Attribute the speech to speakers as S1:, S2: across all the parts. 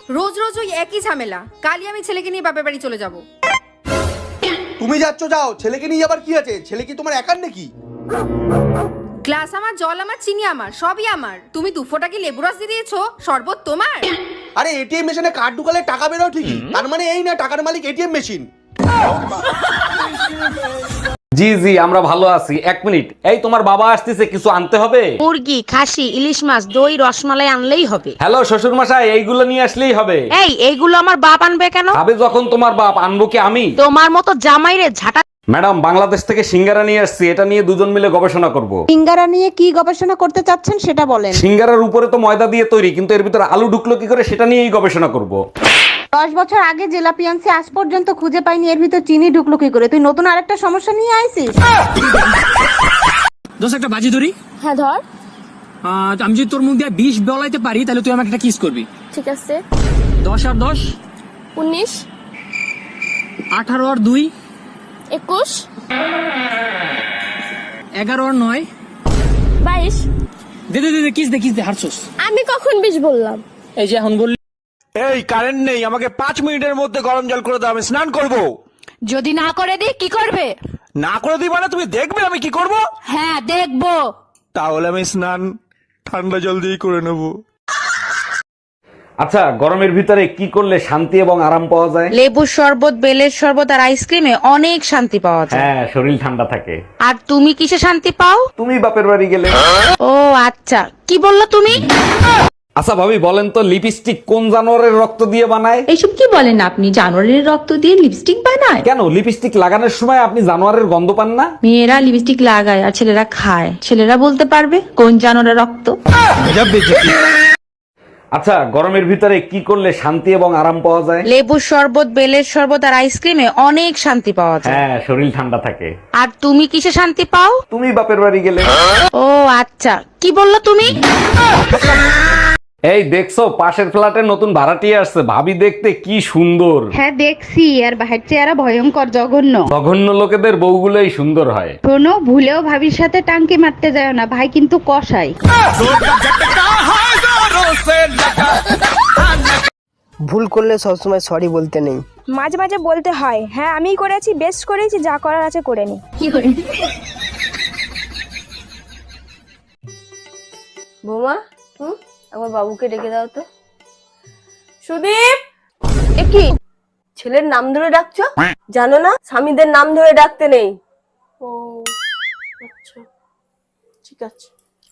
S1: রোজ রোজ ওই একই ঝামেলা। কালই আমি ছেলেকে নিয়ে বাপের বাড়ি চলে যাব।
S2: তুমি যাচ্ছ যাও, ছেলেকে নিয়ে আবার কি আছে? ছেলে কি তোমার একার নাকি?
S1: গ্লাস আমার, জল আমার, চিনি আমার, সবই আমার। তুমি 2 ফোঁটা কি লেবু রস দিয়ে দিয়েছো? শরবত তোমার?
S2: আরে এটিএম মেশিনে কার্ড ঢুকালে টাকা বেরো ঠিকই, তার মানে এই না টাকার মালিক এটিএম মেশিন।
S3: জি জি, আমরা ভালো আছি। 1 মিনিট, এই তোমার বাবা আসতেছে, কিছু আনতে হবে?
S4: মুরগি, খাসি, ইলিশ মাছ, দই, রসমালাই আনলেই হবে।
S3: হ্যালো শ্বশুর মশাই, এইগুলো নিয়ে আসলেই হবে।
S4: এইগুলো আমার বাপ আনবে কেন?
S3: আবে যখন তোমার বাপ, আনবো কি আমি?
S4: তোমার মতো জামাইরে ঝাঁটা।
S3: ম্যাডাম, বাংলাদেশ থেকে সিঙ্গারা নিয়ে আসছি, এটা নিয়ে দুজন মিলে গবেষণা করব।
S5: সিঙ্গারা নিয়ে কি গবেষণা করতে চাচ্ছেন সেটা বলেন।
S3: সিঙ্গারার উপরে তো ময়দা দিয়ে তৈরি, কিন্তু এর ভিতরে আলু ঢুকলো কি করে সেটা নিয়েই গবেষণা করব।
S5: 10 বছর আগে জেলাপি আনছি, আজ পর্যন্ত খুঁজে পাইনি এর ভিতর চিনি ঢুকলো কি করে। তুই নতুন আরেকটা সমস্যা নিয়ে আইছিস।
S6: দোষ একটা বাজি ধরি।
S7: হ্যাঁ ধর।
S6: আমি যদি তোর মুখ দিয়ে 20 বলাইতে পারি তাহলে তুই আমাকে একটা কিস করবি।
S7: ঠিক আছে।
S6: 10 আর 10
S7: 19
S6: 18 আর 2
S7: 21
S6: 11 আর 9
S7: 22
S6: দে দে দে কিস দে হারছস।
S7: আমি কখন 20 বললাম?
S6: এই যে এখন বললি।
S8: এই কারেন্ট নেই, আমাকে 5 মিনিটের মধ্যে গরম জল করে দাও, আমি স্নান করব।
S4: যদি না করে দিই কি করবে?
S8: না করে দিই মানে তুমি দেখবে আমি কি করব?
S4: হ্যাঁ দেখবো।
S8: তাহলে আমি স্নান ঠান্ডা জল দিয়ে করে নেব।
S3: আচ্ছা, গরমের ভিতরে কি করলে শান্তি এবং আরাম পাওয়া যায়?
S4: লেবুর শরবত, বেলের শরবত আর আইসক্রিমে অনেক শান্তি পাওয়া যায়।
S3: হ্যাঁ, শরীর ঠান্ডা থাকে।
S4: আর তুমি কিসে শান্তি পাও?
S3: তুমি বাপের বাড়ি গেলে।
S4: ও আচ্ছা, কি বললা তুমি?
S3: আচ্ছা ভাবি, বলেন তো লিপস্টিক কোন জানোয়ারের রক্ত দিয়ে বানায়?
S9: এইসব কি বলেন আপনি? জানোয়ারের রক্ত দিয়ে লিপস্টিক বানায়?
S3: কেন, লিপস্টিক লাগানোর সময় আপনি জানোয়ারের গন্ধ পান না?
S9: মেয়েরা লিপস্টিক লাগায় আর ছেলেরা খায়। ছেলেরা বলতে পারবে কোন জানোয়ারের রক্ত।
S3: আচ্ছা, গরমের ভিতরে কি করলে শান্তি এবং আরাম পাওয়া যায়?
S4: লেবুর শরবত, বেলের শরবত আর আইসক্রিমে অনেক শান্তি পাওয়া যায়।
S3: হ্যাঁ, শরীর ঠান্ডা থাকে।
S4: আর তুমি কিসে শান্তি পাও?
S3: তুমি বাপের বাড়ি গেলে।
S4: ও আচ্ছা, কি বললা তুমি?
S3: এই দেখছো, পাশের ফ্ল্যাটের নতুন ভাড়াটিয়া আসছে, ভাবি দেখতে কি সুন্দর।
S5: হ্যাঁ দেখছি, আর বাহির চেহারা ভয়ঙ্কর জঘন্য।
S3: জঘন্য লোকেদের বউগুলোই সুন্দর হয়।
S5: শোনো, ভুলেও ভাবির সাথে টাঙ্কি মারতে যায় না, ভাই কিন্তু কসাই।
S10: ভুল করলে সবসময় সরি বলতে নেই,
S7: মাঝে মাঝে বলতে হয়। হ্যাঁ আমিই করেছি, বেস্ট করেছি, যা করার আছে করে নি।
S11: বৌমা, আমার বাবুকে ডেকে দাও তো। সুদীপ, এ কি ছেলের নাম ধরে ডাকছো? জানো না স্বামীদের নাম ধরে ডাকতে নেই? ও আচ্ছা, ঠিক আছে।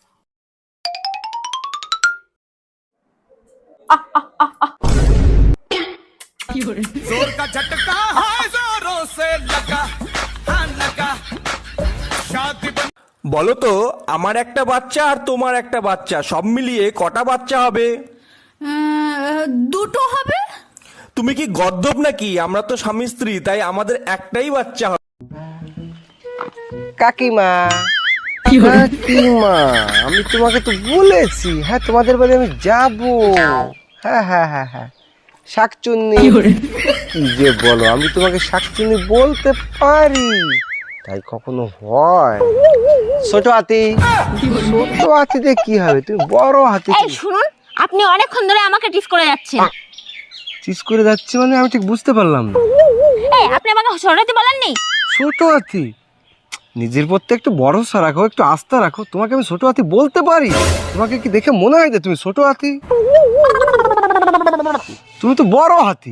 S8: বলো তো, আমার একটা বাচ্চা আর তোমার একটা বাচ্চা, সব মিলিয়ে কটা বাচ্চা হবে?
S4: 2 হবে।
S8: তুমি কি গর্দভ নাকি? আমরা তো স্বামী স্ত্রী, তাই আমাদের একটাই বাচ্চা হবে।
S10: কাকিমা কাকিমা, আমি তোমাকে তো বলেছি, হ্যাঁ তোমাদের বাড়ি আমি যাব। হ্যাঁ হ্যাঁ হ্যাঁ হ্যাঁ, শাকচুন্নি। কি যে বলো, আমি তোমাকে শাকচুন্নি বলতে পারি, তাই কখনো হয়? ছোট হাতি, ছোট হাতিতে কি হবে, তুমি বড় হাতি।
S7: এই শুনুন, আপনি অনেকক্ষণ ধরে আমাকে টিস করে যাচ্ছেন।
S10: চিজ করে যাচ্ছে মানে আমি ঠিক বুঝতে পারলাম না।
S7: এই আপনি আমাকে সরাতে বলেননি?
S10: ছোট হাতি, নিজের প্রতি একটু ভরসা রাখো, একটু আস্থা রাখো। তোমাকে আমি ছোট হাতি বলতে পারি? তোমাকে কি দেখে মনে হয় যে তুমি ছোট হাতি? তুমি তো বড় হাতি।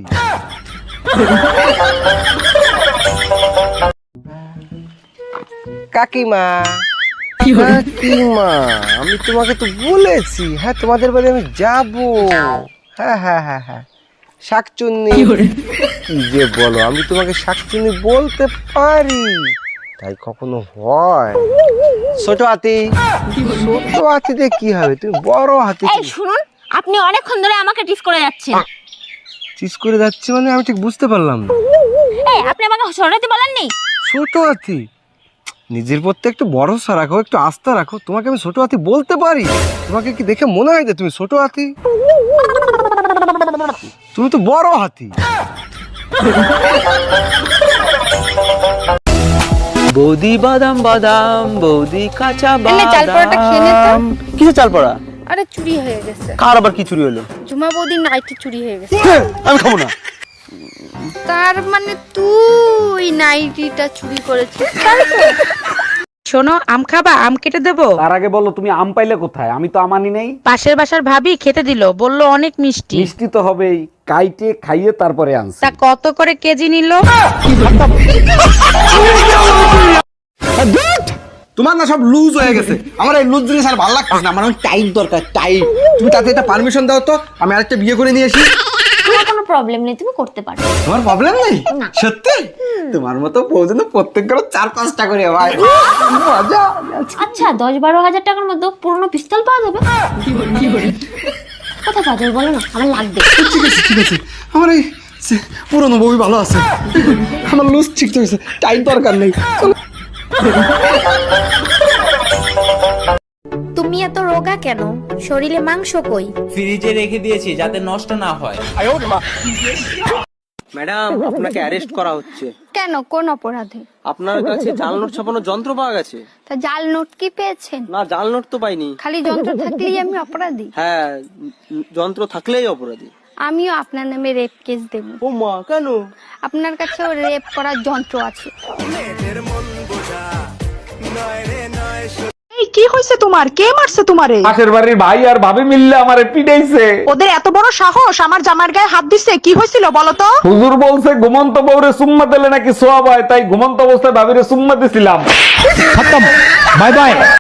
S10: কাকিমা কাকিমা, আমি তোমাকে তো বলেছি, হ্যাঁ তোমাদের বাড়ি আমি যাব। হ্যাঁ হ্যাঁ হ্যাঁ হ্যাঁ, শাকচুন্নি। কি যে বলো, আমি তোমাকে শাকচুন্নি বলতে পারি, তাই কখনো হয়? ছোট হাতি, ছোট হাতিতে কি হবে, তুমি বড় হাতি।
S7: এই শুনুন, আপনি অনেকক্ষণ ধরে আমাকে টিস করে যাচ্ছেন।
S10: চিজ করে যাচ্ছে মানে আমি ঠিক বুঝতে পারলাম না।
S7: এই আপনি আমাকে সরাতে বলেননি?
S10: ছোট হাতি, নিজের প্রতি একটু ভরসা রাখো, একটু আস্থা রাখো। তোমাকে আমি ছোট হাতি বলতে পারি? তোমাকে কি দেখে মনে হয় যে তুমি ছোট হাতি? তুমি তো বড় হাতি।
S12: বৌদি বাদাম বাদাম, বৌদি কাঁচা
S7: চাল পরোটা খেয়ে নে তো।
S12: কিসের চাল পড়া?
S1: আরে চুরি হয়ে গেছে।
S10: কার আবার কি চুরি হলো?
S1: ঝুমা বৌদির নাইটি চুরি হয়ে গেছে।
S10: আমি খাবো না।
S1: তার মানে তুই নাইটিটা চুরি করেছিস, তাই তো?
S4: শোনো, আম খাবা? আম কেটে দেবো?
S3: তার আগে বলো তুমি আম পাইলে কোথায়? আমি তো আমানি নেই।
S4: পাশের বাসার ভাবি খেতে দিল, বলল অনেক মিষ্টি।
S3: মিষ্টি তো হবেই, কাইটে খাইয়ে তারপরে আনছি।
S4: তা কত করে কেজি নিল?
S2: তোমার না সব লুজ হয়ে গেছে। আমার এই লুজ জিনিস আর ভালো লাগছে না। আমার টাইট দরকার, টাইট। তুমি তাতে একটা পারমিশন দাও তো, আমি আরেকটা বিয়ে করে নিয়ে আসি।
S5: তোমার কোনো প্রবলেম নেই, তুমি করতে পারো।
S2: তোমার প্রবলেম নেই? সত্যি? তোমার মতো বউজন প্রত্যেক করে 4-5টা করে ভাই। মজা।
S5: আচ্ছা 10-12 হাজার টাকার মধ্যে পুরনো পিস্তল পাওয়া যাবে? কোথায় পাওয়া যাবে বলো না, আমার লাগবে।
S2: ঠিক আছে, ঠিক আছে। আমার এই পুরনো বউই ভালো আছে। আমার লুজ ঠিক হয়েছে, টাইট দরকার নেই।
S5: তুমি এত রোগা কেন? শরীরে মাংস কই?
S6: ফ্রিজে রেখে দিয়েছি যাতে নষ্ট না হয়।
S10: ম্যাডাম, আপনাকে অ্যারেস্ট করা হচ্ছে।
S1: কেন, কোন অপরাধে?
S10: আপনার কাছে জাল নোট ছাপানোর যন্ত্র পাওয়া গেছে।
S1: তা জাল নোট কি পেয়েছেন?
S10: না, জাল নোট তো পাইনি।
S1: খালি যন্ত্র থাকলেই আমি অপরাধী?
S10: হ্যাঁ, যন্ত্র থাকলেই অপরাধী।
S1: আমিও আপনার নামে রেপ কেস দেব।
S10: ও মা, কেন?
S1: আপনার কাছেও রেপ করার যন্ত্র আছে।
S7: এই কি হয়েছে তোমার? কে মারছে তোমারে?
S3: পাশের বাড়ির ভাই আর ভাবি মিললে আমারে পিটাইছে।
S7: ওদের এত বড় সাহস আমার জামার গায়ে হাত দিছে? কি হয়েছিল বলো তো?
S3: হুজুর বলছে ঘুমন্ত বউরে সুম্মা দিলে নাকি সোয়াব হয়, তাই ঘুমন্ত অবস্থায় ভাবিরে সুম্মা দিছিলাম। Bye by.